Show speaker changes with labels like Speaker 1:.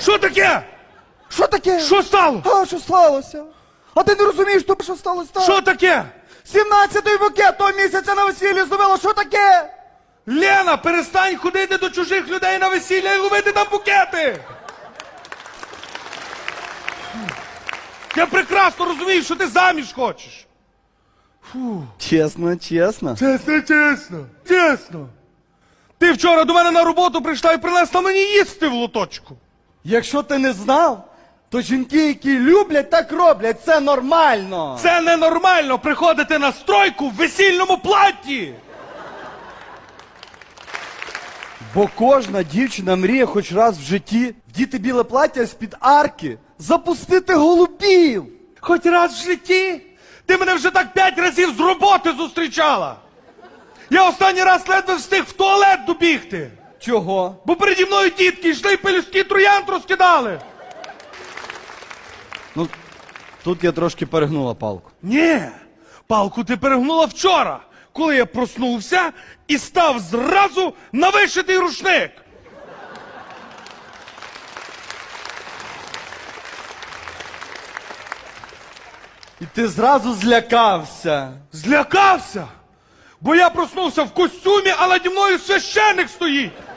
Speaker 1: Що таке?
Speaker 2: Що таке?
Speaker 1: Що стало?
Speaker 2: А, що сталося? А ти не розумієш, що сталося?
Speaker 1: Що таке?
Speaker 2: 17-й букет того місяця на весіллі зробила, що таке?
Speaker 1: Лена, перестань ходити до чужих людей на весілля і ловити там букети! Я прекрасно розумію, що ти заміж хочеш.
Speaker 2: Чесно.
Speaker 1: Чесно. Чесно. Ти вчора до мене на роботу прийшла і принесла мені їсти в лоточку.
Speaker 2: Якщо ти не знав, то жінки, які люблять, так роблять. Це нормально.
Speaker 1: Це ненормально приходити на стройку в весільному платті.
Speaker 2: Бо кожна дівчина мріє хоч раз в житті вдіти біле плаття з-під арки, запустити голубів.
Speaker 1: Хоч раз в житті? Ти мене вже так 5 разів з роботи зустрічала. Я останній раз ледве встиг в туалет добігти.
Speaker 2: Чого?
Speaker 1: Бо переді мною дітки йшли і пелюстки троянд розкидали.
Speaker 2: Ну, тут я трошки перегнула палку.
Speaker 1: Ні, палку ти перегнула вчора, коли я проснувся і став зразу на вишитий рушник.
Speaker 2: І ти зразу злякався.
Speaker 1: Злякався, бо я проснувся в костюмі, а наді мною священник стоїть.